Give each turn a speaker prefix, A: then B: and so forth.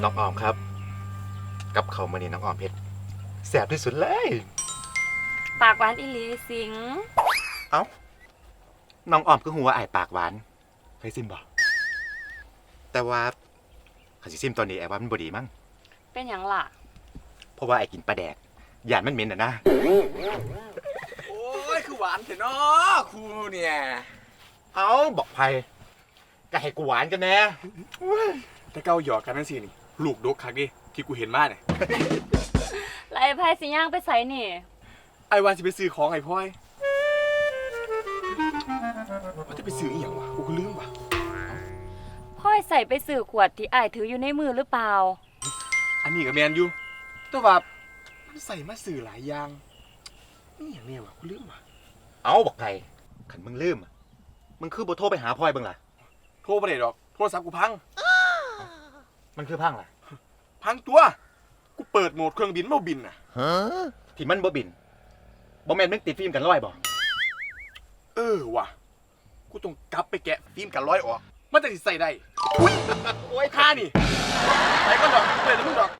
A: น้องออมครับกับเขาวมื้อนี้น้องออมเฮ็ดแซ่บที่สุดเลย
B: ปากหวานอีหลีสิง
A: เอ้าน้องออมก็หัวาอ้ายปากหวานเคยซิมบ่แต่ว่าข้าสิซิมตอนนี้ไอ้ว่ามันบ่ดีมั้ง
B: เป็นอย่างล่ะ
A: เพราะว่าไอ้กินปลาแดกย่านมันเหม็นนะ
C: โอ้ยคือหวานเถอะเนาะครูเนี่ย
A: เอ้าบอกไผก็ให้กูหวานกันแน่
C: แต่เก้าหยอกกันนั่นสินี่ลูกดกคักดิที่กูเห็นมาเนี่ย
B: แล้วไอ้ไพ่สิย่างไปใส่นี่
C: ไอ้วานสิไปซื้อของไอ้พ่อยว่าจะไปซื้ออีหยังวะกูก็ลืมวะ
B: พ่อยใส่ไปสื่อขวดที่อ้ายถืออยู่ในมือหรือเปล่า
C: อันนี้ก็แมนอยู่แต่ว่ามันใส่มาซื้อหลายอย่างนี่อย่างเนี้ยวะกูลืมวะ
A: เอ้าบอกไผคันมึงลืมอะมึงคือบ่โทรไปหาพ่อยเบิ่งล่ะ
C: โทรไปได้ดอกโทรศัพท์กูพัง
A: มันคือพังล่ะ
C: พังตัวกูเปิดโหมดเครื่องบินมาบินน่ะ
A: ที่มันบ่บินบ่แม่นมึงติดฟิล์มกันร้อยบ่
C: เออว่ะกูต้องกลับไปแกะฟิล์มกันร้อยออกมันจะสิใส่ได้อุ้ยโอ้ยค่านี่ไปก็ดอกเปิดแล้วมึงดอก